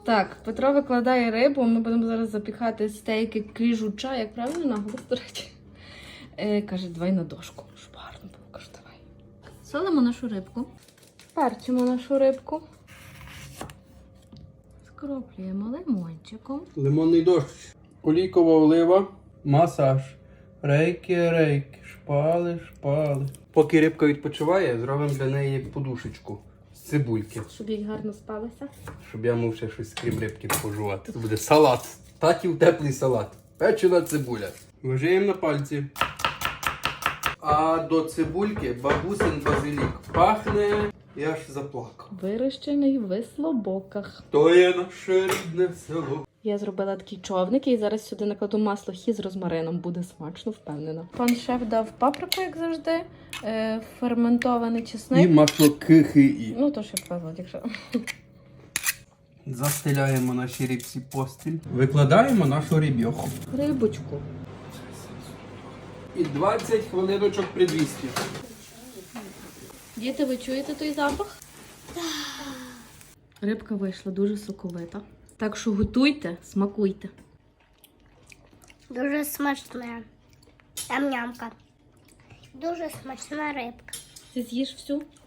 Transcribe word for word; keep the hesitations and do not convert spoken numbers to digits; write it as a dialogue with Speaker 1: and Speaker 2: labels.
Speaker 1: Так, Петро викладає рибу, ми будемо зараз запікати стейки кріжуча, як правильно наголос, до речі. Е, каже, давай на дошку, щоб гарно було. Каже, давай. Солимо нашу рибку. Перчимо нашу рибку. Скроплюємо лимончиком.
Speaker 2: Лимонний дощ. Олійкова олива. Масаж. Рейки, рейки. Шпали, шпали. Поки рибка відпочиває, зробимо для неї подушечку з цибульки.
Speaker 1: Щоб їй гарно спалося.
Speaker 2: Щоб я мав ще щось крім рибки пожувати. Це буде салат. Татів теплий салат. Печена цибуля. Вважаємо на пальці. А до цибульки бабусин базилік пахне, я ж заплакав.
Speaker 1: Вирощений в Слобоках.
Speaker 2: То є наше рідне село.
Speaker 1: Я зробила такі човники і зараз сюди накладу масло хі з розмарином. Буде смачно, впевнена. Пан шеф дав паприку, як завжди, е, ферментований
Speaker 2: І
Speaker 1: чесник.
Speaker 2: масло кихи.
Speaker 1: Ну, то ще вказувати, якщо...
Speaker 2: Застеляємо наші рибці постіль. Викладаємо нашу рибьоху.
Speaker 1: Рибочку.
Speaker 2: І двадцять хвилиночок при двісті.
Speaker 1: Діти, ви чуєте той запах? Рибка вийшла дуже соковита. Так що готуйте, смакуйте.
Speaker 3: Дуже смачна. Там нямка. Дуже смачна рибка.
Speaker 1: Ти з'їш всю?